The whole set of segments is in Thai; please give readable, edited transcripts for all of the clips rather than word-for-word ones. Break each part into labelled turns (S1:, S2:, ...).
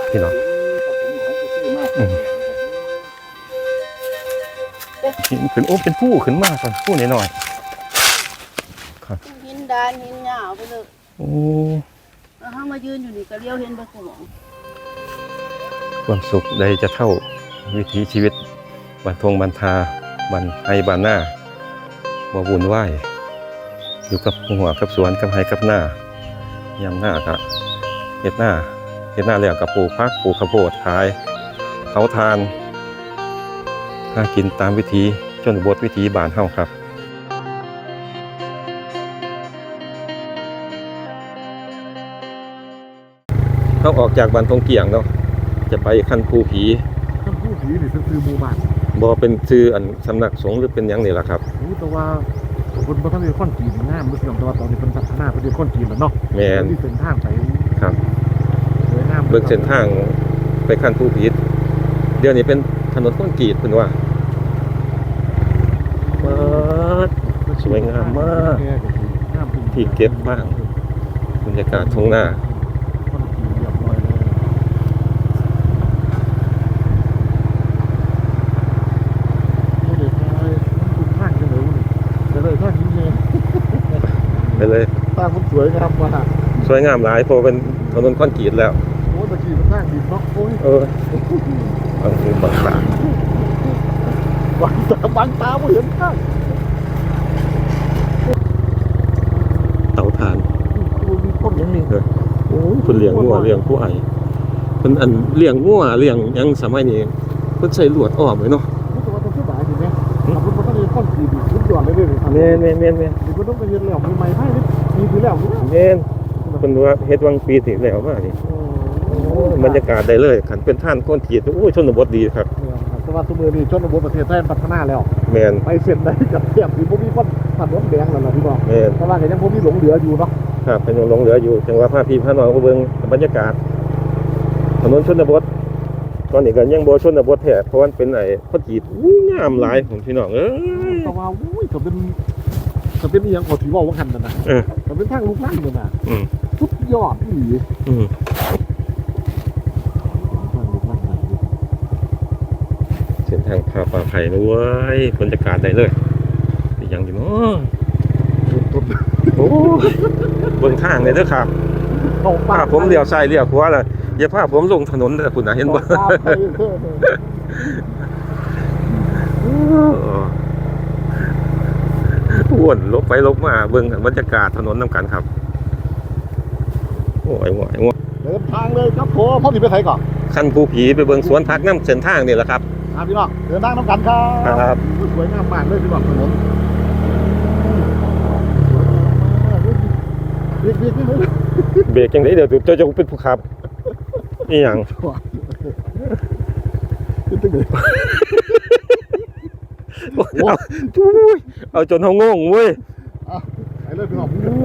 S1: พี่น้องหินขึ้นโอ้เป็นผู้ขึ้นมากครับผู้หน่อยๆครับ
S2: หินดานหินหยาวไปเลย
S1: โอ้
S2: แล้วเขามายืนอยู่นี่ก็เลี้ยวเห็นไปของ
S1: ความสุขใดจะเท่าวิถีชีวิตบันทงบันทาบันไฮบานหน้าบ่วุ่นวายอยู่กับหัวกับสวนกับไฮกับหน้ายามหน้ากะเฮ็ดหน้าแล้วกับปลูกพักปลูกข้าวโพดขายเขาทานหากินตามวิถีชนบทวิถีบ้านเฮาครับเขาออกจากบ้านทงเกียงเนาะจะไปคันภูผี
S3: นี่เป็นชื่อหมู่บ้าน
S1: บ่เป็นชื่ออันสำนักสงฆ์หรือเป็นหยังนี่ล่ะครับ
S3: แต่ว่าคนบ่ทันได้ค้นจีนงามมื้อเสียงแต่ว่าตอนนี้เพิ่นพัฒนาไปด้วยค้นจีนแล้วเนาะ
S1: แม่น
S3: ที่เส้นทางไป
S1: ครับเบิ่งเส้นทางไปคันภูผีเดี๋ยวนี้เป็นถนนคอนกรีตเพิ่นว่าสวยงามมากที่เก็บบ้างบรรยากาศทุ่งนาไปเลย
S3: ทางมันสวยงามมาก
S1: สวยงามหลายเพราะเป็นถนนคอนกรีตแล้ว
S3: โอ้ตะกี้มันทางดินเนาะโอ้ย
S1: บางหูบางตา
S3: บางตาไม่เห็นทาง
S1: เต่าถ่าน
S3: มีคนอย่างนี้
S1: โอ้ยเพิ่นเลี้ยงงัวเลี้ยงควายเพิ่นอันเลี้ยงงัวเลี้ยงหยังสมัยนี้เพิ่นใช้ลวดอ้อมไว้เนาะ
S3: แต่ว่าต้องสบายดีมั้ยถ้าเพิ่นบ่ทันได้ค้นจีนสุดยอดเลยเด้อ
S1: แม่นๆๆ
S3: นี่เพิ่นต้องไปเฮ็ดแล้วใหม่ๆให้นี่คือแล้ว
S1: แม่นเพิ่นว่าเฮ็ดวังปีที่แล้วมานี่บรรยากาศได้เลยคันเป็นท่านคอนกรีตโอ้ยชนบทดีครับ
S3: แต่ว่าซุมื้อนี้ชนบทประเทศไทยพัฒนาแล้ว
S1: แม่น
S3: ไปเส้นได้กับแทบสิบ่มีคนถนนแดงแล้วล่ะพี่น้อง
S1: แม่น
S3: แต่ว่าก็ยังบ่มีหลงเหลืออยู่เนาะ
S1: ครับเป็นยังหลงเหลืออยู่จังว่าพาพี่พาน้องก็เบิ่งบรรยากาศถนนชนบทตอนนี้ก็ยังบ่ชนบทแท้เพราะมันเป็นไอ้คอนกรีตงามหลายของพี่น้อง
S3: แต่ว่าอุ้ยก็เป็นอีหยังก็สิเว้าว่าคั่นนั่นน่ะก็เป็นทางลูกรังนั่นน่ะสุดยอดอีหลี
S1: เส้นทางพาป่าไผ่นะเว้ยบรรยากาศได้เลยเป็นยังอยู่เนาะโอ้เบิ่งทางเลยเด้อครับพาผมเลี้ยวซ้ายเลี้ยวขวาล่ะอย่าพาผมลงถนนเด้อคุณน่ะเห็นบ่วนลบไปลบมาเบิ่งบรรยากาศถนนนำกันครับโอ้ย
S3: เดินทางเลยครับผมพ่อสิไปไสก่อน
S1: คันภูผีไปเบิ่งสวนผักน้ำเส้นทางนี่แหละครับ
S3: พี่น้องเดินทางนำกันครับสวยงามมากเลยพี่น้องถนน
S1: เบรกจังได๋เดี๋ยวเจ้าจะเป็นผู้ขับอีหยังเอาจนเฮางงเว้ย
S3: ไอ้เลิศพี่น้อง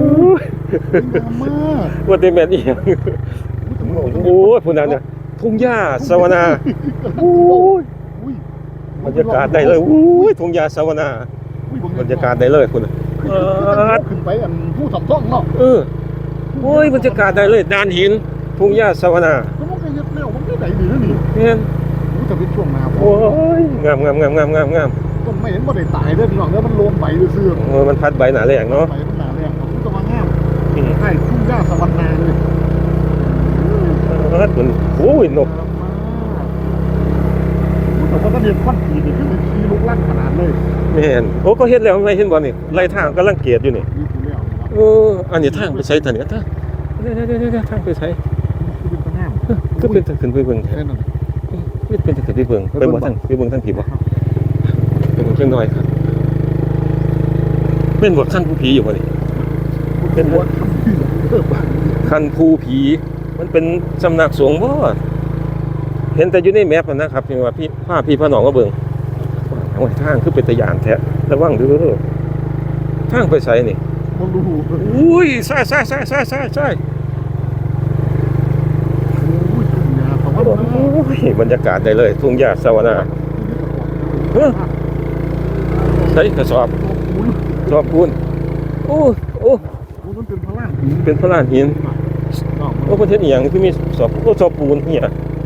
S1: ว่าแต่แม่นอีหยังโอ้ยพุ่นน่ะเนี่ยทุ่งหญ้าสวนาโอ้ยบรรยากาศได้เลยโอ้ยทุ่งหญ้าสวนาบรรยากาศได้เลยคุณ
S3: ขึ้นไปอันผู้สำท่องเนาะ
S1: โอ้ยบรรยากาศได้เลยดานหินทุ่งหญ้าสวนา
S3: มันก็เฮ็ดแล้วมันก็ได้ดีนะนี่
S1: แม่น
S3: จะเป็นช่วงหน้า
S1: โอ้ยงาม
S3: ต้นไม่เห็นบ่ได้ตายเด้อพี่น้องเด้อมันโลนใบซื่อ
S1: มันพัดใบหนาแรงเนาะ
S3: ใบมันหนาแรงผมก็มางามใช่ทุ่งหญ้าสวรรค์เลย
S1: มันโอ้ยนก
S3: แต่ว่าตอนนี้คอนกรีตนี่คือมีลูกลั่นขนาดเลย
S1: ไม่เห็นโอ้ก็เฮ็ดแล้วไม่เห็นบ่นี่ไล่ทางกำลังเกียดอยู่นี่อันนี้ทางไปใช้ทางนี้ทางทางไปใช้ก็เป็นทางขึ้นไปเบิ่งเป็นทางขึ้นไปเบิ่งไปบ่ทางไปเบิ่งทางผีบ่ไปเบิ่งเพิ่นน้อยครับเป็นบ่คันผู้ผีอยู่บ่นี่เป็นบ่คันผู้ผีมันเป็นสำนักสงฆ์บ่เห็นแต่อยู่ในแมพนะครับพี่ว่าพี่พาน้องมาเบิ่งโอ้ยทางคือเป็นตะยานแท้ระวังเด้อทางไปไสนี่
S3: บ่รู้
S1: อุ้ยใช่บรรยากาศได้เลยทุ่งหญ้าสวนาใส่กระสอบปูนโอ้
S3: มันเป็นพลาน
S1: หินโอ้ประเทศอีหยังคือมีสอบปูนเหี้ย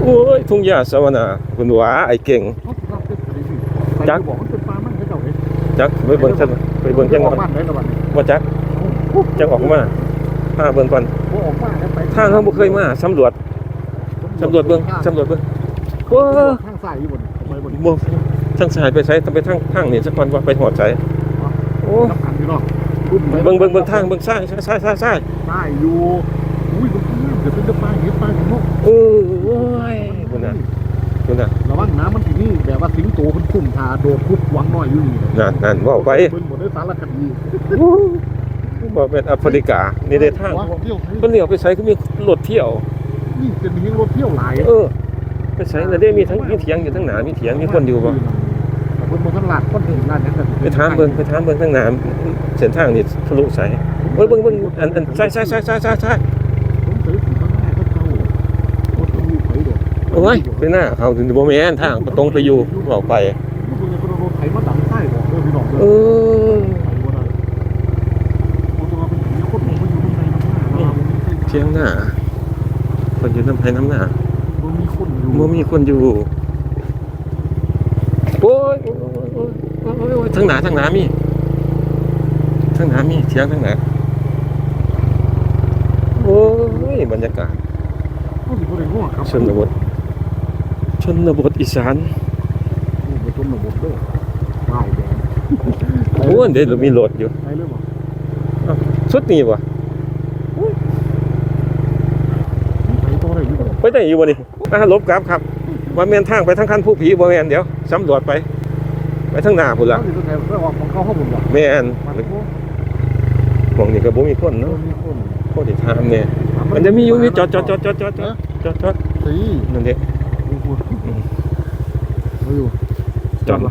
S1: โอ้ยทุ่งหญ้าสวนาคุณหวาไอ้เก่ง
S3: เขาสิรับเป็นอะไรสิ
S1: จัก
S3: บอกมันเป็นปลามันให้เจ้าเด้
S1: จักไปเบิ่งซั่นไปเบิ่งจัง
S3: อ
S1: ก่
S3: อ
S1: อก น
S3: บ้านได้ละบัดนี้
S1: บ่จักจังออกมาพาเบิ่งก่อน
S3: บ่ออกมาแล้วไป
S1: ทางเฮาบ่เคยมาสำรวจเบิ่งสำรวจเบิ่งโอ้
S3: ทางซ้ายอยู่บนไปบน
S1: บ่ทางซ้ายไปไสต้องไปทางนี่สักก่อนว่าไปฮอดไสโอ้
S3: น้ำกันพี่น้อง
S1: เบิ่งทางเบิ่งซ้ายซ้าย
S3: ใต้อยู่อุ้ยมันเดี๋ยวเป็นปลาเห็ดปลาหิมะ
S1: โอ้ยคุณน่ะ
S3: ระวังน้ำมันที่นี่แบบว่าสิงโตมันคุ้มทาโดดคุบหวังน้อยอยู่นี่
S1: นั่นเว้าไป
S3: เบิ่งหมดได้สารคดี
S1: บ่เป็นแอฟริกานี่ได้ทาง
S3: ว่าเที่ยว
S1: เพิ่นเลี้ยวไปไสก็มีรถเที่ยว
S3: นี่เป็นเพียงรถเที่ยวหลาย
S1: ไปไสแล้วได้มีทั้งมีเถียงอยู่ทั้งหน้ามีเถียงมีคนอยู่บ่
S3: เพิ่นบ่ทันลาดคนเห็นลาดยังก็
S1: ไปถามเบิ่งทั้งหน้าเส้นทางนี่ทะลุไสเบิ่งอันซ้าย
S3: ผมเคยสิข้างหน้าเขาเจ้าโคตรมีไผดอก
S1: โอ้ยไปหน้าเขาถึงบ่แม่นทางตรงไปอยู่ออกไป
S3: มันบ่ได้รถไถมาดังใต้บอกเด้อพี่น้องเด้
S1: เอ
S3: อ
S1: อ
S3: ไปบ่ได้เพราะว่าเป็นผีคนบ่อยู่ในน้ำหน้า
S1: เที่ยงหน้าคนอยู่น้ำไผน้ำหน้า
S3: บ่มีคนอยู่
S1: บ่มีคนอยู่โอ้ยทางหน้ามีทางหน้ามีเถียงทางหน้าโอ้ยบรรยากาศ
S3: เขาสิบ่ได้ง้อครับ
S1: ชนบทอีสาน
S3: ไปชนบทเด้อป้ายแดง
S1: โอ้ยเดี๋ยวมีรถอยู่
S3: ไปเลยบ่
S1: สุดนี่บ่
S3: ไปต่อได้อยู่บ่
S1: ไปได้อยู่บ่นี่ลบกราฟครับว่าแม่นทางไปทางคันผู้ผีบ่แม่นเดี๋ยวสำรวจไปทางหน้าพุ่นล่ะ
S3: เขาสิไปออกของเขาบุญบ่
S1: แม่น
S3: มันบ่
S1: หม่องนี่ก็บ่มีคนเนาะ
S3: มีคน
S1: โคตรถามเนี่ยมันจะมีอยู่มีจอด
S3: สิ
S1: นั่นเด้
S3: มีคนมาอยู่
S1: จอด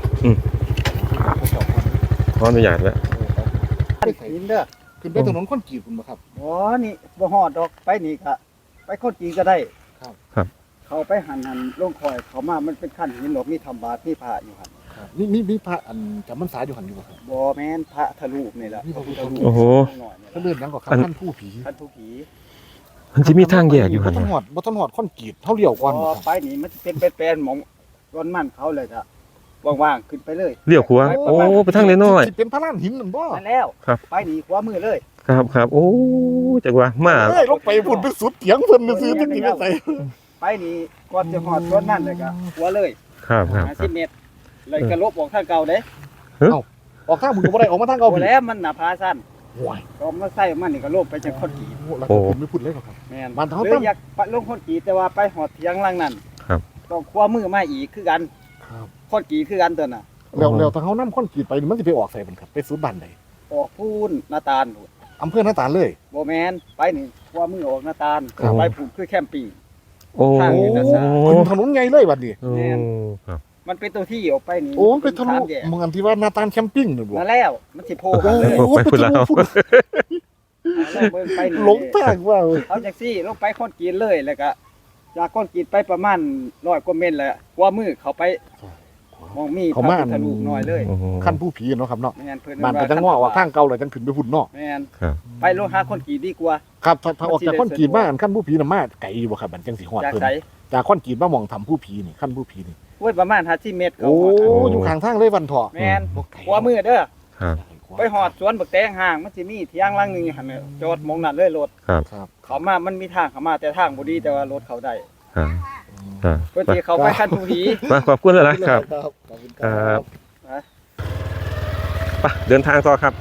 S1: ขออนุญาตแล้ว
S2: หินเด้อ
S3: ขึ้นไปถนนคอนกรีตคุณบ่ครับ
S2: อ๋อนี่บ่ฮอดดอกไปนี่ก็ไปคนจีนก็ได้
S3: ครับ
S2: เขาไปหันลงคอยเขามามันเป็นขั้นหินหรอกมีทำบาตรมีพระอยู่หั่น
S3: มีพระอันจำพรรษาอยู่หันอยู่บ่ครับ
S2: บ่แม่นพระทะลุนี่ล่ะ
S3: มีพระพุทธรูป
S1: โอ้โห
S2: หน่อยนี่
S3: เขา
S2: ล่ะ
S3: เลื่อนยังก็ครับท่านผู้ผี
S2: ท่านผู้ผี
S1: มันจะมีทางแยกอยู่หั่น
S3: บ่ต้องหอดคอนกรีตเท่าเลี้ยวก่อน
S2: พ
S3: บ่
S2: อ
S3: ครับ
S2: ไปนี่มันสิเป็นแปลนๆหมองร้อนมันเขาเลยจ้ะว่างๆขึ้นไปเลย
S1: เลี้ยวขวาโอ้ไปทางน้อย
S3: สิเป็นพระลานหินนั่นบ่
S2: นั่นแล้ว
S1: ครับ
S2: ไปนี่ขวามือเลย
S1: ๆครับโอ้จังว่ามา
S3: เอ้ยลงไปพุ่นไปสุดเถียงเพิ่นซื่อๆจังสิไปใส่
S2: ไปนี่ก่อนจะฮอดร้อนนั่นเลยก็ขวาเลย
S1: ครับ
S2: 50เมตรเลยก็ลบออกทางเก่าเด้
S3: ออกทางมึงก็บ่ได้ออกมาทางเก่า
S2: โอ้
S3: พี่
S2: แล้วมันหน้าผาสั้น
S3: โอ้ย
S2: ก็มาใส่มันนี่ก็ลบไปจากคนกรีด
S3: แล้วก็ผมไม่พูดเลยหรอกครับ
S2: แม่น
S3: บ้านเฮา
S2: เล
S3: ตั้
S2: ย
S3: ง
S2: อยากไปลงคนกรีดแต่ว่าไปหอดเถียงหลังนั้น
S1: ครับ
S2: ต้องคว้ามือมาอีกคือกัน
S3: ครับ
S2: คนกรีดคือกันตัวน่ะ
S3: แล้วถ้าเฮานำคอนกรีตไปนี่มันสิไปออกใส่เพิ่นครับไปสุดบ้านใด
S2: ออกพูนหน้าตาลพู้น
S3: อำเภอหน้าตาลเลย
S2: บ่แม่นไปนี่คว้ามือออกหน้าตาล
S1: ครับ
S2: ไปพูนคือแคมปิ้ง
S1: โอ้
S2: ทางนี้นะ
S3: ขึ้นถนนใหญ่เลยบัดนี้
S1: โอ้ครับ
S2: มันเป็นตัวที่ออกไปนี่
S3: โอ้มันเป็นทะลุ
S2: สามแยก
S3: เมืองที่ว่าหน้าตาลแคมปิ้งนั่นบ่
S2: นั่นแล้วมันสิโผล่
S3: โอ้
S2: กันเลย
S3: โห
S1: ไปพุ่นแล้ว
S2: แล้วเบิ่งไปนี่
S3: หลงทางว่า
S2: เอาจักซี่ลงไปคนกรีดเลยแล้วก็จากคนกรีดไปประมาณ100กว่าเมตรแหละคว้ามือเขาไปมองมีพระพุทธรูปน้อยเลย
S3: ขั้นผู้ผีเนาะครับเนาะ
S2: แม่นเพิ่น
S3: บ้านก็จังง้อว่าทางเก่าเลยจังขึ้นไปพุ่นเนาะ
S2: แม่น
S1: ครับ
S2: ไปลงหาคนกรีดดีกว่า
S3: ครับถ้าออกจากคอนกรีตมาอันขั้นผู้ผีน่ะมาไกลอยู่บ่ครับมันจังสิฮอด
S2: จาก
S3: เพิ่น
S2: ไส
S3: จากคอนกรีตมามองทำผู้ผีนี่ขั้นผู้ผีนี่
S2: โอ้ยประมาณ50เมตรเขา
S3: โอ้
S2: ฮอด
S3: อยู่ข้างทางเลยวันเถาะ
S2: แม่น
S3: บ่ไกล
S2: ขวามือเด้อ
S1: ครับ
S2: ไปหอดสวนบักแตงห่างมันสิมีเที่ยงหลังหนึงอยู่หั่นน่ะจอดหมองนั้นเลยรถ
S3: ครับ
S2: เขามามันมีทางเข้ามาแต่ทางบ่ดีแต่ว่ารถเขาได้
S1: ครับ
S2: เพิ่นสิเขาไปคันผู้ผี
S1: มาขอบคุณหลายๆครับ
S3: ขอบคุณ
S1: ครับ
S2: นะ
S1: ไปเดินทางต่อครับ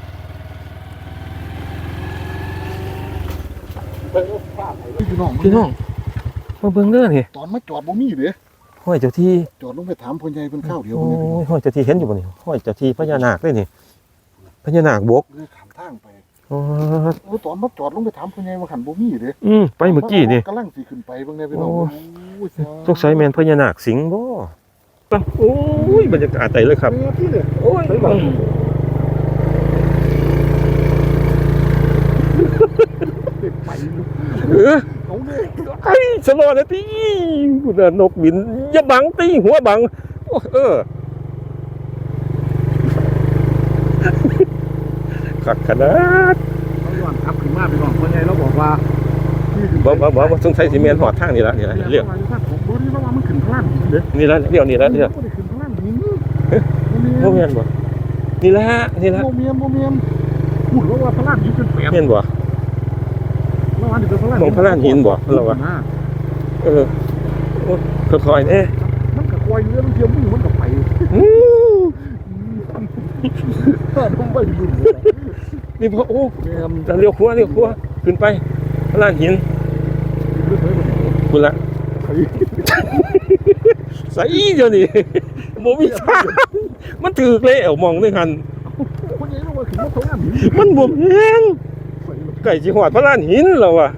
S3: พี่น้อง
S1: พี่น้องมาเบิ่งเด้อนี่
S3: ตอนมาจอดบ่มีเด้
S1: ห้อยเจ้าที่
S3: จอดลงไปถามพ่อใหญ่เพิ่นข้าวเดียว
S1: โอ้
S3: เพิ่นเนี่ย
S1: ยห้อยเจ้าที่เห็นอยู่บ่นี่ห้อยเจ้าที่พญานาคเลยนี่พญานาคบก
S3: เลยข้ามทางไป
S1: โอ้
S3: โอ้ตอนมาจอดลงไปถามพ่อใหญ่ว่าคันบ่มีเด้
S1: ไปเมื่อกี้นี่
S3: กำลังสิขึ้นไปเบิ่งแน่พี่น้อง
S1: โอ้
S3: โอ้ย
S1: สงสัยแม่นพญานาคสิงบ่โอ้ยบรรยากาศใจเลยครับ
S3: พี่เนี่ย
S1: โอ้ย
S3: ไปบ่ไป
S1: เออ
S3: เอาเด้
S1: ไอ้สลอนะตีคุณน่ะนกบินอย่าบังตีหัวบังโอ้ขักขนาด
S3: เขาย้อนกลับขึ้นมาพี่น้องพ่อใหญ่เราบอกว่า
S1: บ่สงสัยสิแม่นหอดทางนี่ละนี่ละเรียก
S3: ผมบ่นี่ระวังมันขึ้นข้างล่างหินเด้อ
S1: นี่ละเดี๋ยวนี่ละเดี๋ยว
S3: บ่ได้ขึ้นข้างล่างหิน
S1: โมเมียนบ่นี่ละนี่ละ
S3: โมเมียนพูดแล้วว่าข้างล่างหินเป็นแปด
S1: เมียนบ่
S3: ระวังนี่เป็นข้างล่าง
S1: มองข้างล่างหินบ่เราวะเออค่อยๆเด้
S3: มันก็คอยเรือเทียมมือมันก็ไป ถ้าต้องไปดู
S1: นี่พอโอ้
S3: แม่น
S1: เลี้ยวขวาขึ้นไปข้างล่างหิน
S3: เรื่องไหนบ่
S1: คุณละใส่เดี๋ยวนี้บ่มีทางมันถือแล้วมองด้วยกัน
S3: คนใหญ่ลงมาถึงข้างล่างหิน
S1: มันบ่แม่นไก่สิหอดพระลานหินแล้วว่ะ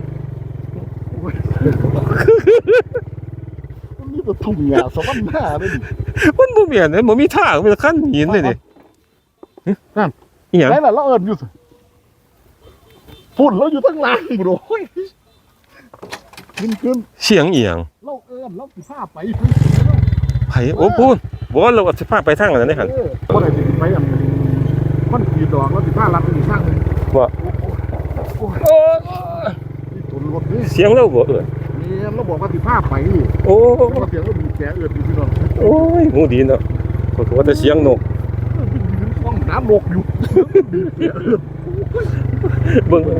S3: มันมีแต่ทุ่งหญ้าสวรรค์หน้าเลย
S1: มันบ่แม่นเลยบ่มีทางเป็นขั้นหินเลยนี่
S3: นั่น
S1: อีหยัง
S3: ไหนล่ะเราเอิญอยู่สิฝุ่นเราอยู่ทั้งล่างบโอ้ยขึ้น
S1: เสียงอีหยัง
S3: เราเอิญเราสิพาไป
S1: ไผโอ้พูดบ่เราสิพาไปทางอันนั้นได้หั่น
S3: บ่ได้สิไปมันขีดดอกแล้วสิพาลัดไปอีกทางนึง
S1: บ่
S3: โอ้นี่ตุนรถนี่
S1: เสียงเราบ่เอิ้น
S3: นี่เราบอกว่าสิพาไป
S1: โอ้
S3: เราเสียงเราบีบแกเอิญอยู่พี่น้อง
S1: โอ้ยหูดีเนาะก็ว่าแต่เสียงนก
S3: ห้องน้ำลกอยู่บีบแกเอิญ
S1: เบิ่ง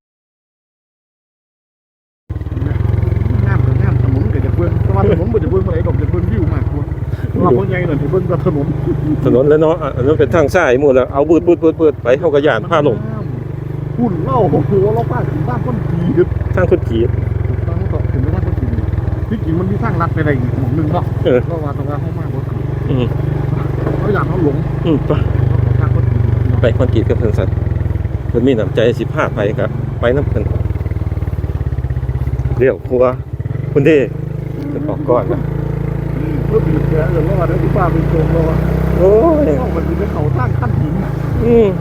S3: งามกับงามถนนก็จะเบิ่งแต่ว่าถนนบ่จะเบิ่งบ่ได้ดอกจะเบิ่งวิวมากกว่าเราคนใหญ่นั่นสิเบิ่งแต่ถนน
S1: ถนนแล้วเนาะอันนั้นเป็นทางซ้ายหมู่แล้วเอาบืดไปเฮาก็ย่านพาลง
S3: หุ่นเล่าโอ้โหเราป้าถึงบ้านต้นปีเด็ด
S1: ทางคนขี่
S3: ตั้งต่อถึงบ้านต้นปีที่จริงมันมีทางลัดไปอะไรอีกหม่องหนึงเนาะ
S1: เออ
S3: เราว่าต้องการเข้ามากกว่า
S1: อืม
S3: เขาอยากเขาหลง
S1: ไป
S3: ทางต้นปี
S1: ไปคอนกรีตกับเพิ่นซั่นเพิ่นมีน้ำใจสิพาไปก็ไปนำเพิ่นเรียวครัวคุณเด้เพิ่นออกก่อนนะ
S3: เพื่อบีบแกเออเราว่าได้ที่ป้าเป็นโจมเราว่า
S1: โอ้ย
S3: เข้ามันเป็นเขาสร้างขั้นหิน
S1: อืม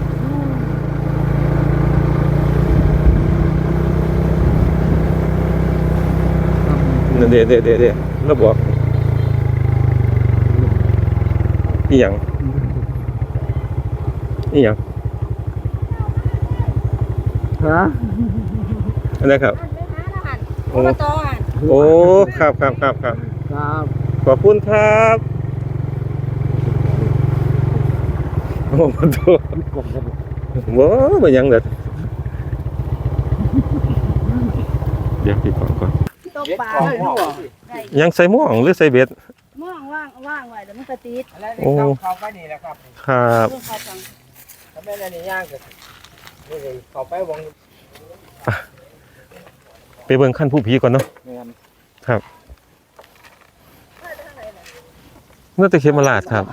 S1: นั่นเด้แล้วบอกอีหยังอีหยัง
S3: ฮะ
S1: อันนั้นครับ
S4: โอ้ตอหัน
S1: โอ้ครับ
S3: ครับ
S1: ขอบคุณครับโอ้มาดู
S3: กลมกัน
S1: ว้าวมันยังเด็ดเดี๋ยวปิดก่อน
S4: ตกปลา
S2: เด็ดของพ่อ
S4: ได้
S1: ยังใส่หม่วงหรือใส่เบ็ด
S4: ม่วงว่างไว้แล้วมันก็ติด
S2: อะไรนี่เข้าไปนี่แหละครับ
S1: ครับ
S4: เรื่องเขาฟัง
S2: ถ้าแม่นอันนี้ย่างก็นี่เลยเข้าไปวง
S1: ไปเบิ่งขั้นผู้ผีก่อนเนาะ
S2: แม่น
S1: น่าจะเขมราชครับ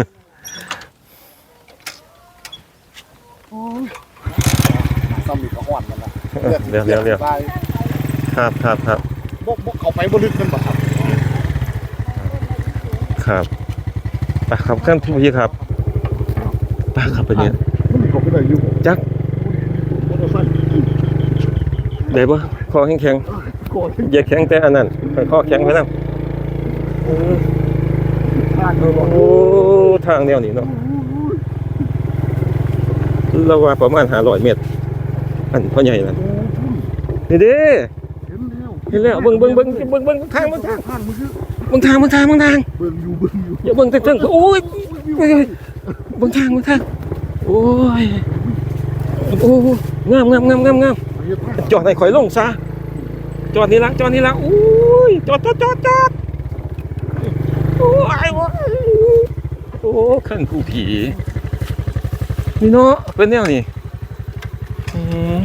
S4: โอ้
S3: ซ้ำอีกก็ห่อนมันละ
S1: เร็วครับ
S3: บกเขาไปบ่ลึกกันบ่ครับ
S1: ครับไปครับขั้นผู้ผีครับไปครับไปเนี่ย
S3: มันมีเขาไปได้อยู่
S1: จัก
S3: มอเตอร์ไซค์
S1: ได้บ่คอแข็ง
S3: ก่อน
S1: ๆอย่าแข็งแต่อันนั้นคอแข็งไว้นำ
S3: ทางเลยบอก
S1: โอ้ทางแนวนี้เนาะเราว่าประมาณ500เมตรอันพ่อใหญ่นั่นนี่เด้ เห็นแล้วเบิ่งทาง
S3: ทางมันคือ
S1: เบิ่งทาง
S3: เบิ่งอยู่
S1: อย่าเบิ่งแต่เทิงโอ้ยเบิ่งทางโอ้ยโอ้งามจอดให้ข่อยลงซะจอดนี่ละโอ้ยจอดโอ้ยโอ้ขั้นผู้ผีนี่เนาะเป็นแนวนี้อืม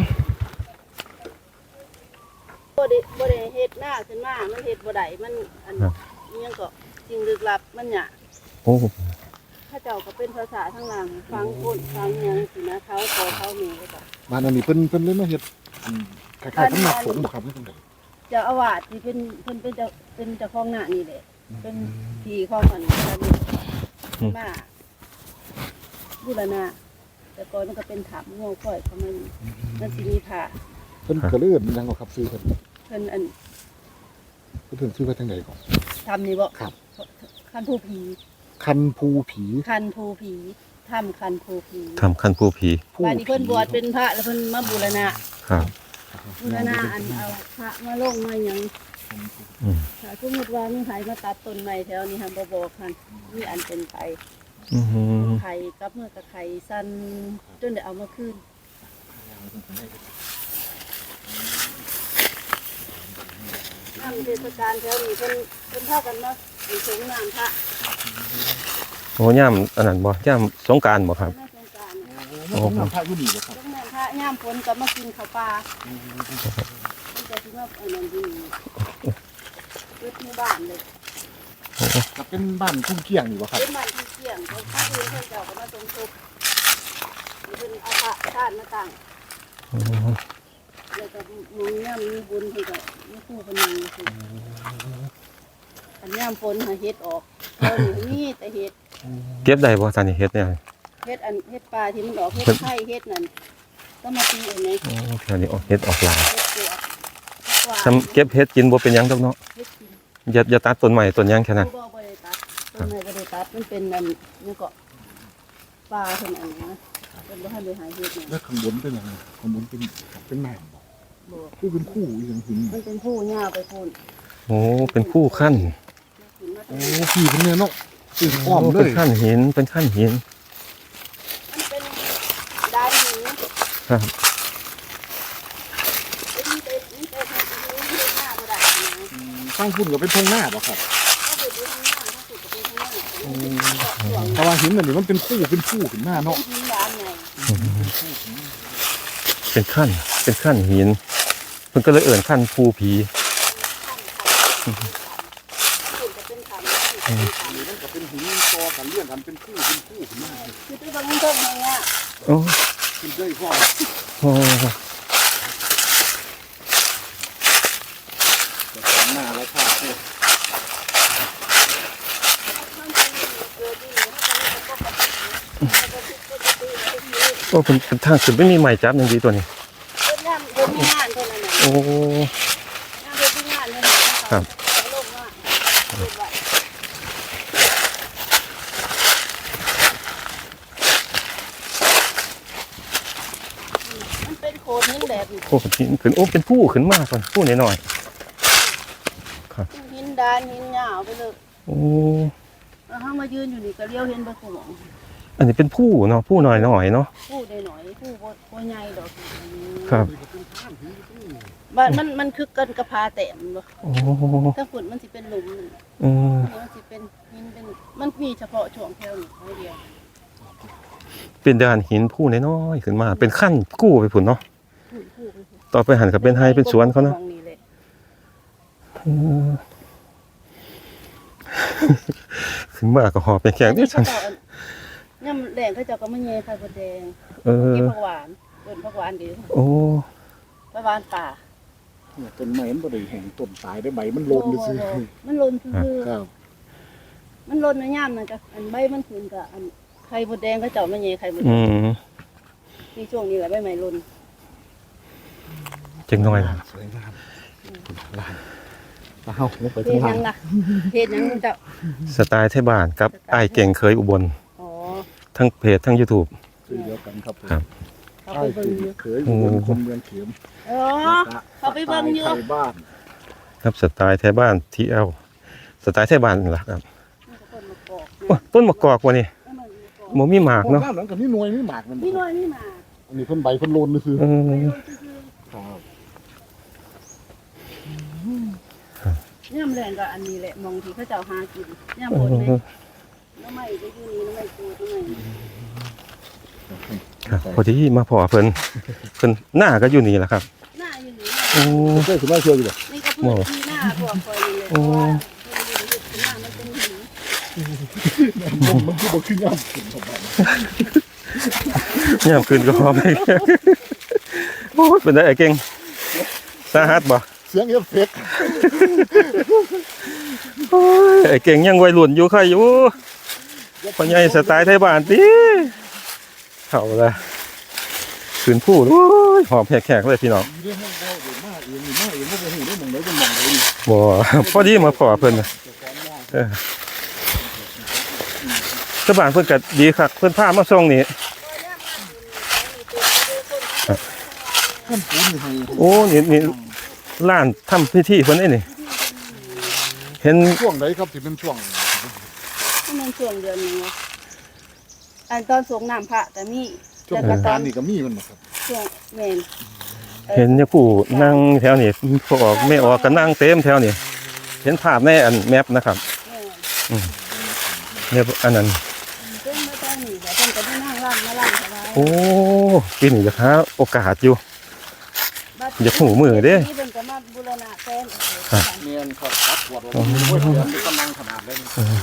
S4: บ่ได้เฮ็ดหน้าขึ้นมามันเฮ็ดบ่ได้มันอันยังก็จริงลึกลับมันหยะ
S1: โอ้
S4: ถ้าเจ้าก็เป็นภาษาทางหลังฟังคนฟังหยังสินะเขาขอเขาแม่ก็
S3: บ้านอันนี้เพิ่นเลยมาเฮ็ดคล้ายๆสำนักสงฆ์บ่ครับนี่จังได๋
S4: เจ้าอาวาสที่เป็นเจ้าของหน้านี่แหละเป็นที่ของอันนี้มาบูรณะแต่ก่อนมันก็เป็นถ้ำง่วงค่อยเขามันสิมีผ้า
S3: เพิ่นก็เลยเอิ้นหยังบ่ครับชื่อเพิ่น
S4: เพิ่นอัน
S3: เพิ่นชื่อว่าจังได๋ก่อน
S4: ทำนี่บ่
S3: ครับ
S4: คันภูผี
S3: คันภูผี
S4: คันภูผีทำคันภูผี
S1: ทำขั้นผู้ผี
S4: บ้านนี้เพิ่นบวชเป็นพระแล้วเพิ่นมาบูรณะ
S1: ครับ
S4: บูรณะอันเอาพระมาลงมาหยังถ้าสมมติว่ามีไผมาตัดต้นใหม่แถวนี้ค่ะบ่บอกคันมีอันเป็นไป
S1: อืม
S4: ไข่กับเมื่อกับไข่สั้นจนได้เอามาคืนน้ำเทศกาลแถวนี้เพิ่นเท่ากันเนาะมีสงน้ำพระ
S1: โอ้ย่ามอันนั้นบ่ย่ามสงกรานต์บ่ครับ
S4: น้ำสงกรานต์
S3: โอ้โหน้ำพระอยู่นี่บ่ครับ
S4: สงน้ำพระย่ามฝนก็มากินข้าวปลามันจะสิมาอันนั้นอยู่นี่เกิดหมู่บ้านเลย
S3: ก็เป็นบ้านทุ่งเกี้ยงนี่บ่ครับ
S4: เป็นบ้านที่เที่ยงเขาพระอื่นเพิ่นเจ้าก็มาสมทบเพิ่นเอาพระธาตุมาตั้ง
S1: อืม
S4: แล้วก็มีน้ำมีบุญให้กับมีคู่คนหนึงคืออันย่ามฝนหาเฮ็ดออกตอนนี้มีแต่เฮ็ด
S1: เก็บได้บ่ตอนนี้เฮ็ดเนี่ย
S4: เฮ็ดปลาที่มันออกเฮ็ดไข่เฮ็ดนั่นก็มาตีเองไง
S1: โอ้แถวนี้ออกเฮ็ดออกหลาย
S4: เฮ็ดตัวกวาด
S1: ทำเก็บเฮ็ดกินบ่เป็นหยังดอกเนาะ
S4: เฮ็ดกิน
S1: อย่าตัดต้นใหม่ต้นหยังแค่นั้น
S4: บ่ได้ตัดต้นไม้บ่ได้ตัดมันเป็นอันนี่ก็ปลาเพิ่นอันนี้นะเพิ่นบ่ทันได้หาเฮ็ดหยัง
S3: แล้วข้างบนเป็นยังไงข้างบนเป็นน้ำบ่
S4: บ่
S3: คือเป็นคู่อีหยังหิน
S4: มันเป็นผู้หญ้าไปพูน
S1: โอ้เป็นคู่ขั้น
S4: ขึ้นมา
S3: โอ้พี่เป็นเนี่ยเนาะคืออ้อมเล
S1: เป็น
S3: ย
S1: ขั้นหินเป็นขั้นหิน
S4: มันเป็นดานหิน
S1: ครับ
S4: เป็นเฮ็ดหน้าบ่ได้นะ
S3: ข้างพุ่นก็เป็นทุ่งหน้าบ่ครับ
S4: ถ้าเกิดดูทางหน้าถ้าเกิดเป็นทางหน้าเป็น
S3: เพราะว่าหินอันนี้มันเป็นคู่ขึ้นหน้าเนาะ
S4: หินยามไง
S1: เป็นขั้นหินเพิ่นก็เลยเอิ้นขั้นภูผี
S4: เป็นขัน
S3: มันก็เป็นหินต่อกันเลื่อนกันเป็นคู่ขึ้นหน้า
S4: คือไปบางต้นอย่างเงี้ย
S1: โอ้
S3: ขึ้นได้พ่อ
S1: โอ้
S3: แต่หน้าแล้วค่ะเนี่ย
S4: มันเป็นเกิดที่นี่ถ้าเป็นก็
S1: โอ้เป็นทางขึ้นไม่มีไม้จับอย่างดีตัวนี้
S4: เป็นน้ำเป็นงานเท่านั้น
S1: โอ้
S4: น้ำเป็นงานเท่านั้นลงมามันเป็นโคตรหินแบบนี้
S1: โหหินขึ้นโอ้เป็นผู้ขึ้นมากก่อนผู้หน่อย
S4: หินดานหินยาวไปเลย
S1: ๆโอ้
S4: แล้วถ้ามายืนอยู่นี่ก็เลี้ยวเห็นไปคู่หมอง
S1: อันนี้เป็นผู้เนาะผู้หน่อยๆเนาะ
S4: คู่ได้หน่อยคู่โคใหญ่ดอก
S1: ครับ
S4: มันคือกันกระพาแต้มบ่
S1: โอ้
S4: ถ้าฝุ่นมันสิเป็นหลุม
S1: อืม
S4: มันสิเป็นหินเป็นมันมีเฉพาะช่วงแถวนี้เดียว
S1: เป็นดานหินผู้น้อยๆขึ้นมา เป็นขั้นกู้ไปผุนเนาะ
S4: คู่
S1: ต่อไปหันกับเป็นไฮเป็นสวนเขาเนาะ
S4: นี่แหละ
S1: อืมขึ้นมาก็หอบไปแข่งด้วยฉัน
S4: ย่ำแดงเขาเจ้าก็มาแย่ไข่มดแดง
S1: เออ
S4: เก็บผักหวานต้นผักหวานดี
S1: โอ้
S4: ผักหวานป่า
S3: เนี่ยต้นไม้มันบ่ได้แห้งต้นตายได้ใบมันโลนซื่อ
S4: มันหล่นคือ
S3: ครับ
S4: มันหล่นในย่ำนั่นก็อันใบมันขึ้นก็อันไข่มดแดงเขาเจ้ามาแย่ไข่มดแด
S1: อื
S4: ง
S1: ม
S4: มีช่วงนี้แหละใบไม้หล่น
S1: จังน้อย
S3: สวยงามลานมาเฮาลงไป
S4: เฮ็
S3: ข้าง
S4: ดห
S3: ล่า
S4: ยัง งล่ะเฮ็ดหยังเจ้า
S1: สไตล์ไทยบ้านกับไอ้ายเก่งเคยอุบล
S4: อ๋อ
S1: ทั้งเพจทั้ง YouTube
S3: คือเดียวกันครับผม
S1: ครับ
S4: เขา
S3: ใช่
S4: ไปเบิ่งอยู่
S3: เคยอยู่บนคนเมืองเข็ม
S4: อ๋อเขาไปเบิ่งอยู่
S3: ไทยบ้าน
S1: ครับสไตล์ไทยบ้าน TL สไตล์ไทยบ้านนั่นล่ะครับ
S4: ต้นมะกอก
S1: โอ้ต้นมะกอกว่ะนี่บ่มีหมากเนาะ
S3: โอ้น้ำหลังกับนี่หน่วยนี่หมากมัน
S4: นี่น้อยนี่มา
S3: อันนี้เพิ่นใบเพิ่นโลนซื่อ
S1: เออ
S3: ครับ
S4: ย่ำแรงก็อันนี้แหละมองที่เขาเจ้าหากินย่ำบนไหมน้ำไม่ก็อยู่นี่น้ำไม่กูน้ำไม่
S1: ครับพอดีมาพอเพิ่นหน้าก็อยู่นี่แหละครับ
S4: หน้าอยู่นี่
S1: โอ้
S3: เคยขึ้นมาเชื่ออยู่บ่
S4: นี่ก็พื้นที่หน้าพวกคอยนี่เลยเพราะว่าหน้ามันเป็นหิน
S3: มันคือบ่คืองามขึ้นเข้าไป
S1: ยามคืนก็พอไปโอ้ยเป็นได้ไอ้เก่งสาหัสบ่
S3: เสียงเอฟเฟกต์
S1: โอ้ยไอ้เก่งยังวัยรุ่นอยู่ใครอยู่พ่อใหญ่สไตล์ไทยบ้านติเข้าละคืนผู้โอ้ยหอบแขกๆเลยพี่น้อง
S3: เรื่องของเราเดี๋ยวมาเองนี่มาเองบ่ฮู้ได้หม่องใดเป็นหม่องใดนี่
S1: บ่พอดีมาพอเพิ่นน่ะชาวบ้านเพิ่นก็ดีคักเพิ่นพามาส่งนี่
S3: ท่านปูนนี่ให้
S1: โอ้นี่ร้านทำพิธีเพิ่นไอ้นี่
S4: ที่
S1: เห็น
S3: ช่วงไหนครับที่เป็นช่วง
S4: ที่มันช่วงเดือนหนึงเนาะอันตอนสงน้ำพระแต่มี
S3: ช่วง
S4: แต่
S3: ส
S4: ก็
S3: ง
S4: ตอน
S3: กรานต์นี่ก็มีมันบ่ครับ
S4: ช่วงแม่น
S1: เห็นเนี่ยผู้นั่งแถวนี้พวกออกไม่ออกก็นั่งเต็มแถวนี้เห็นภาพในอันแมปนะครับ
S4: แม่น
S1: เนี่ยอันนั้น
S4: เพิ่นมาตอนนี้แต่เพิ่นก็ได้นั่งร่ำมาร่ำสบาย
S1: โอ้ปีนี้จะหาโอกาสอยู่ อย่าหูมือเด้
S4: ที่เพิ่นก็มาบูรณะแทน
S3: เนียนครับตัดหัวเราโอ้ยเดี๋ยวมันกำลังขนาดเลย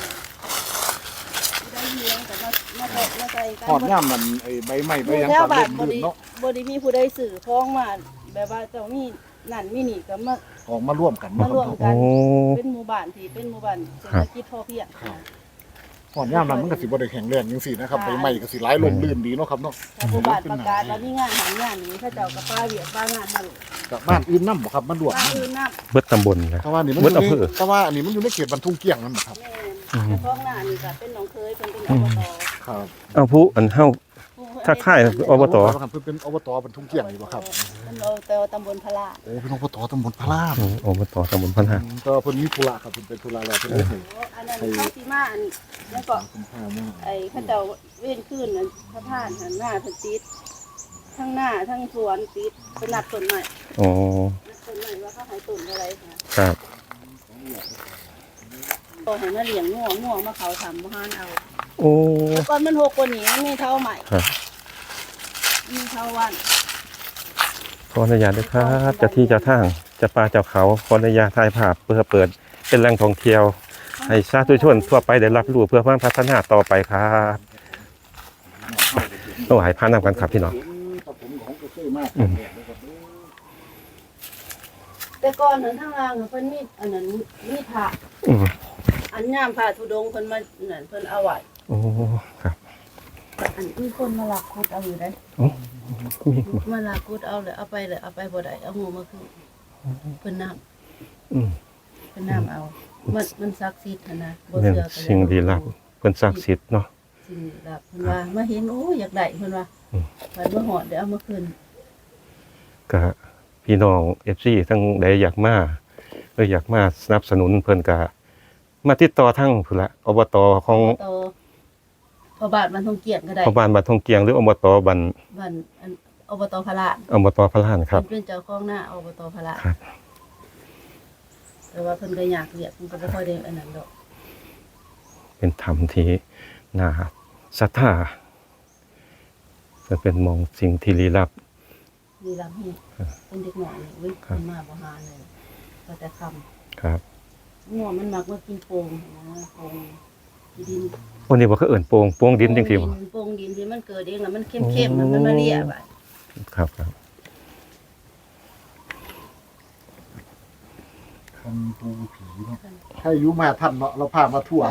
S4: ได้เลี้ยงแต่มาใส่กัน
S3: หอดย่ำมันไอ้ใบไม้ใบหยัง
S4: แถว
S3: ตัด
S4: บ้า
S3: เล่
S4: น
S3: นลื่นเนาะ
S4: บ่ได้มีผู้ใดสื่อพ้องมาแบบว่าเจ้ามีนั่นมีนี่ก็มา
S3: ออกมาร่วมกัน
S4: มาร่วม
S1: โอ้
S4: เป็นหมู่บ้านที่เป็นหมู่บ้านเศรษฐกิจพอเพียง
S3: หอดย่ำนั้นมันก็สิบ่ได้แข็งแรงจังซี่นะครับใบไม้ก็สิหลายลมลื่นดีเนาะครับเนาะ
S4: ถ้าหมู่บ้านประกาศว่ามีงานหางานนี้เขาเจ้าก็ป้าเวียกป้างานมาโลด
S3: จากบ้านอื่นนำบ่ครับมันร่วม
S4: ป้า
S3: นำ
S4: อื่นนับ
S1: เบิดตำบลนะ
S3: แต่ว่านี่มัน
S1: เบิด
S3: อยู่
S1: อำเภ
S3: ใน
S1: อ
S3: แต่ว่าอันนี้มันอยู่ในเขตบรรทุงเกี้ยงนั่นบ่ครับ
S4: แม่นแต่พ้องหน้านี่ก็เป็นน้องเคยเพิ่นเป็นอบต
S3: ครับ
S1: เอาผู้อันเฮา ทักทายอบต
S3: ครับเพิ่นเป็นอบตบรรทุงเกี้ยงนี่บ่ครับ
S4: เป็นอบตตำบลพระลา
S3: โอ้เป็นอบตตำบลพระราม
S1: อบตตำบลพันหา
S3: ก็เพิ่นมีธุระครับเพิ่นเป็นธุระแล้วเพิ่นเลยให้
S4: อันนั้นเขาสิมาอันแล้วก็
S3: คุณพามา
S4: ไอ้เขาเจ้าเว้นคืนนั้นพระธาตุหันหน้าเพิ่นติดทั้งหน้าทั้งสวนติดเป็นนัดต้นใหม่
S1: อ๋อ
S4: นัดต้นใหม่ว่าเขาให้ต้นอะไรนะครับ ก็ให้มาเลี้ยงง่วงมาเขาทำบ่ฮานเอา
S1: โอ้
S4: แต่ก่อนมันหกกว่านี้มันมีเท่าใหม่
S1: ครับ
S4: มีเท่าวัน
S1: ขออนุญาตด้วยครับเจะที่เจะทางเจะป่าเจ้าเขาขออนุญาตถ่ายภาพเพื่อเปิดเป็นแหล่งท่องเที่ยว ให้สาธุชนทั่วไปได้รับรู้เพื่อเพิ่มพัฒนาต่อไปครับต้องหายพานำกันครับพี่น้อง
S3: ครับผมของก็เคยมาก
S4: แต่ก่อนนั้นทางล่างน่ะเพิ่นมีอันนั้นมีพระ
S1: อืม
S4: อันยามพระธุดงค์เพิ่นมานั่นเพิ่นเอาไว้
S1: โอ้ครับ
S4: อันมีคนมาลักคุดเอาอยู่ได้
S1: มีหมด
S4: มาลักคุดเอาเลยเอาไปบ่ได้เอางูมาคืนเพิ่นน้ำ
S1: อืม
S4: เพิ่นน้ำเอามันศักดิ์สิทธิ์นะบ่
S1: เป็น
S4: เชื่อก็
S1: สิ่งดีลับเป็นศักดิ์สิทธิ์เนาะ
S4: สิ่งลี้ลับเพิ่นว่ามาเห็นโอ้อยากได้เพิ่นว่า
S1: อืม
S4: ไปเมื่อหอดเดี๋ยวเอามาคืน
S1: ก็พี่น้อง FC ทั้งใดอยากมาอยากมาสนับสนุนเพิ่นก็มาติดต่อทั้งพุ่นละอบตของ
S4: ต่อพอบาทมันทงเกียรติก็ได้
S1: พ่อบ้านบ้านทงเกียงหรืออบตบ้าน
S4: บ้านอันอบตพระลาน
S1: อบตพระลานครับ
S4: เพิ่นเป็นเจ้าของหน้าอบตพระลาน
S1: ครับ
S4: แต่ว่าเพิ่นก็อยากเรียกเพิ่นก็บ่ค่อยได้อันนั้นดอก
S1: เป็นธรรมที่น่าศรัทธาจะเป็นมองสิ่งที่ลี้ลับ
S4: มีลำให้เป็นเด็กหน่อยนี่เว้ย
S1: ครับ
S4: เพิ่นมาบ่หาเลยก็แต่คำ
S1: ครับ
S4: งัวมันมักมากินโป่งนะโป่งดิน
S1: วันนี้ว่าเขาเอิ่นโปงดินจริงๆบ่
S4: โป่งดินที่มันเกิดเองแล้วมันเข้มๆมันมาเรียบอ่ะ
S1: ครับครับ
S3: คันปูผีเนาะให้อายุมาท่านเนาะเราพามาทั่ว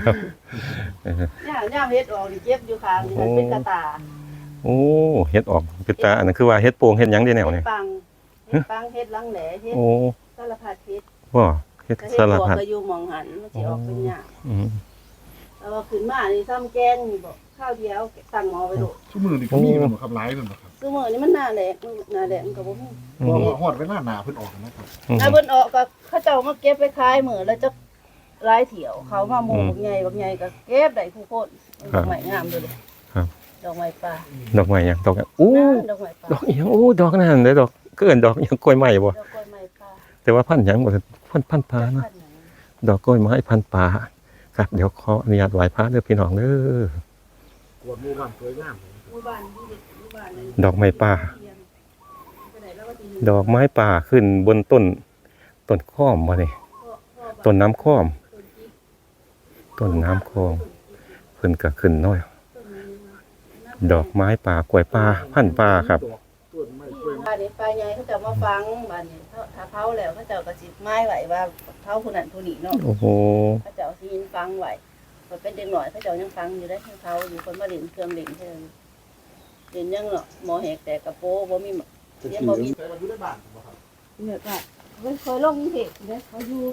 S4: ย่ามเฮ็ดออกนี่เจ็บอยู่ข้างนี่มันเป็นกระตา
S1: โอ้เฮ็ดออกเป็นตาอันนั้นคือว่าเฮ็ดโปงเฮ็ดหยังได้แนว
S4: เฮ็
S1: นี่
S4: ดปังเฮ็ดปังเฮ็ดลังแหลเฮ็ด
S1: โอ้
S4: สารพัดเฮ็ด
S1: ว่าเฮ็ด
S4: แต่เฮ็ด
S1: สาร
S4: บัว
S1: พัด
S4: ก็อยู่หม่องหันมันสิออกเป็นหยัง
S1: อืม
S4: แล้วว่าขึ้นมานี่ซ้ำแกงนี่บ่ข้าวเดียวตั้งหม้อไว้โลด
S3: ชั่วมือนี่ก็มีมันบ่ครับหลายมันบ่ครับ
S4: ซุมื้อนี้มันหน้าแหลกมันก็บ่มี
S3: ว่าฮอดเวลาหนาเพิ่นออกนะครับ
S1: อืม
S4: ถ้าเพิ่นออกก็เขาเจ้ามาเก็บไปขายมื้อแล้วจะหลายเที่ยวเขามาหมู่บักใหญ่ก็เก็บได้ผู้คนดอกไม้งามเด้อเลย
S1: ครับ
S4: ดอกไม้ป่า
S1: ดอกไม้หยังดอกอะอู้
S4: ดอกไม้ป่า
S1: ดอกอีหยังโอ้ดอกนั่นเด้อดอกก็เอิ้นดอกหยังกล้วยไม้บ่
S4: ดอกกล้วยไม้ป่า
S1: แต่ว่าพันธุ์หยังบ่พันธุ์ปลาเนาะ
S4: พันธุ์หยัง
S1: ดอกกล้วยไม้พันธุ์ป่าครับเดี๋ยวขออนุญาตไหว้พระเด้อพี่น้องเด้อก
S3: วดหมู่บ้านสวยงาม
S4: หมู่บ้านที่เด็กหมู่บ้านนั้น
S1: ดอกไม้ป่า
S4: ไปไหนแล้วว่าที่
S1: ดอกไม้ป่าขึ้นบนต้นข้อมบ่นี่ต้นน้ำข้อมต้นน้ำคลองเพิ่นก็ขึ้นน้อย ดอกไม้ป่ากล้วยป่าพันธุ์ป่าครับ
S3: ต้นไม้กล้วย
S4: บ้านนี้ป้าใหญ่เขาจะมาฟังบ้านนี้ถ้าเผาแล้วเขาจะกระสิบไม้ไว้ว่าเผาผู้นั้นผู้นี้เนาะ
S1: โอ้โห
S4: เขาจะเอาซีนฟังไว้มันเป็นเด็กหน่อยเขาจะยังฟังอยู่ได้เผาอยู่คนมาเล่นเครื่องเล่นเท่านั้นเล่นยังเนาะหมอแหกแต่กระโปรงบ่มีเรียนบ่มี
S3: แต่ว่าอยู่ในบ้านบ่ครับ
S4: เนี่ยก็เคยลงกรุงเทพเด้เขาอยู่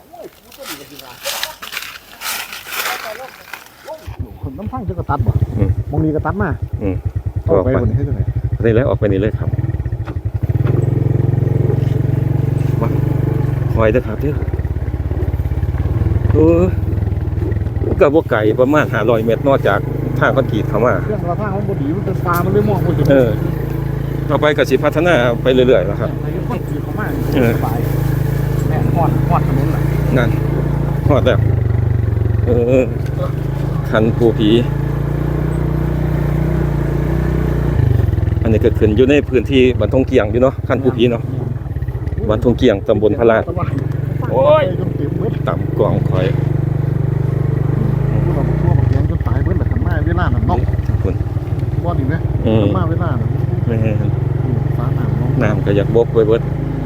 S3: คนน้ำพังจะกระตัดบ่มองนี้กระตัดมา
S1: อืม
S3: ออกไปบนนี้ให้จังได๋
S1: นี่เลยออกไปนี่เลยครับมาคอยเด้อครับเด้อเออก็บ่ไกลประมาณ500 เมตรนอกจากทางคอนกรีตเข้ามา
S3: เครื่องกระทั่งมันบ่ดีมันเป็นปลามันเลยมองบ่เห็น
S1: ต่อไปก็สิพัฒนาไปเรื่อยๆแล้วครับ
S3: ไอ้คนขี่เข้ามา
S1: เออ
S3: สบายแม่ฮอดถนนน่ะ
S1: นั่นฮอดแล้วคันภูผีอันนี้เกิดขึ้นอยู่ในพื้นที่บ้านทงเกียงอยู่เนาะคันภูผีเนาะบ้านทงเกียงตำบลพระลาด โอ้ย
S3: จนเต็มเบิด
S1: ต่ำกล่องคอย
S3: ผู้เราทั่วบักแยงจนตายเบิดแหละคันมาเวลานั้นเนาะ
S1: คุณ
S3: บ่ดีไหม
S1: อืม
S3: คันมาเวลานั้น
S1: แม่
S3: ฟ้าน้ำเนาะ
S1: น้ำก็อยากบกไว้เบิด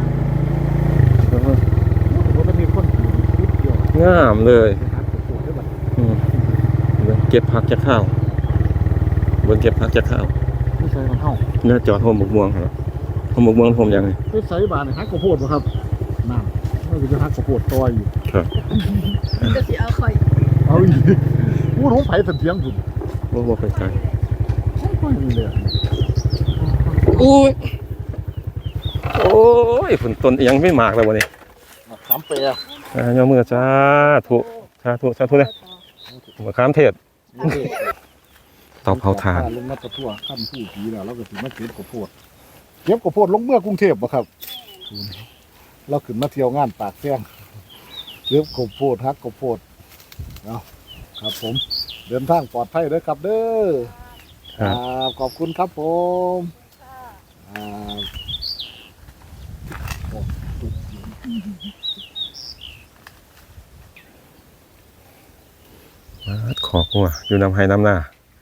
S3: บ่ได้มีคนขี่นิดเดียว
S1: งามเลย
S3: ไปหาตัวได้บัด
S1: อืมเก็บผักจากข้าวบนเก็บผักจากข้าว
S3: ไม่ใช่มันเฮา
S1: เนื้อจอดโฮมบกม่วงครับโฮมบกม่วงผมยังไง
S3: ไปใส่บาดนี่ฮักข้าวโพดบ่ครับน้ำมันก็จะฮักข้าวโพดต่ออยู่
S1: ครับ
S4: จะสิเอาข่อย
S3: เอาอีกพูดของไผสันเทียงพุ่น
S1: ว่าไปไกล
S3: ค่อยมีเลยอะ
S1: โอ้ยโอ้ยฝนต้นยังไม่มากเลยวันนี้
S3: ขามเปีย
S1: ยอมือจ้าถูกเลยมะขามเทศเตาเผาถ่าน
S3: ลงมาตะทั่วขั้นผู้ผีแล้วเราก็สิมาเก็บข้าวโพดเก็บข้าวโพดลงเมื่อกรุงเทพบ่ครับเราขึ้นมาเที่ยวงานปากแซงเก็บข้าวโพดฮักข้าวโพดเอาครับผม เดินทางปลอดภัยเด้อครับเด้อ
S1: ครับ
S3: ขอบคุณครับผมอ่า
S1: ขอหัวอยู่นำให้น้ำหน้า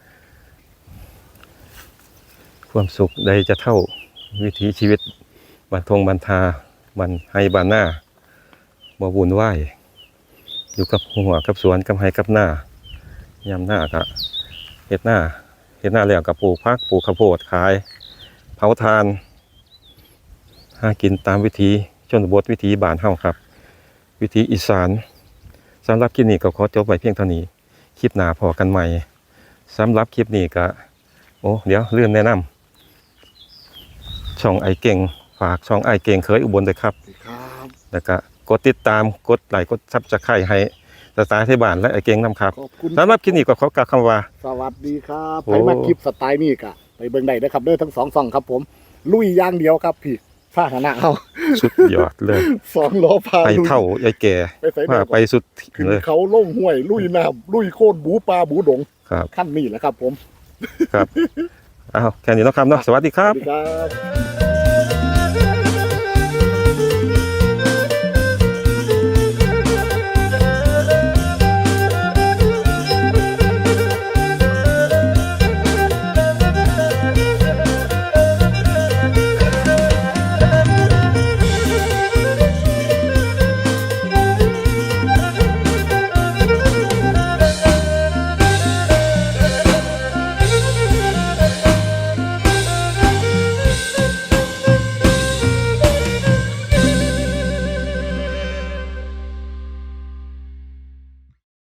S1: ความสุขใดจะเท่าวิถีชีวิตบันทงบันทาบันให้บานหน้าบ่วุ่นวายอยู่กับหัวกับสวนกับไห้กับหน้ายามหน้าก็เฮ็ดหน้าแล้วก็ปลูกผักปลูกข้าวโพดขายเผาทานหากินตามวิถีชนบทวิถีบ้านเฮาครับ วิถีอีสานสำหรับคลิปนี้ก็ขอจบไว้เพียงเท่านี้คลิปหน้าพอกันใหม่สำหรับคลิปนี้ก็เดี๋ยวลืมแนะนำช่องไอเก่งฝากช่องไอเก่งเคยอุบลด้วยครับ
S3: ครับ
S1: แล้วก็กดติดตามกดไลค์กดซับสไครต์ให้สไตล์ไทยบ้านและไอเก่งนำครับ
S3: ขอบคุณ
S1: สำหรับคลิปนี้ก็ขอกล่าวคำว่า
S3: สวัสดีครับ
S1: โอ้
S3: ไปมาคลิปสไตล์นี่กะไปเบิ่งได้นะครับเด้อทั้งสองฝั่งครับผม ลุยอย่างเดียวครับพี่พาหนะเอา
S1: สุดยอดเลย
S3: 2 ล้อพา
S1: ไป
S3: ลุย
S1: เท่ายายแก่
S3: ไปใส่
S1: ว่าไปสุด
S3: ขึ้น
S1: เลย
S3: เขาล่งห้วย ลุยน้ำลุยโคตรบูปลาบูดง
S1: ครับ
S3: ขั้นนี้แหละครับผม
S1: ครับอ้าวแค่นี้เนาะครับเนาะสวัสดีค
S3: ส
S1: รั
S3: วั
S1: บ
S3: สดีครับ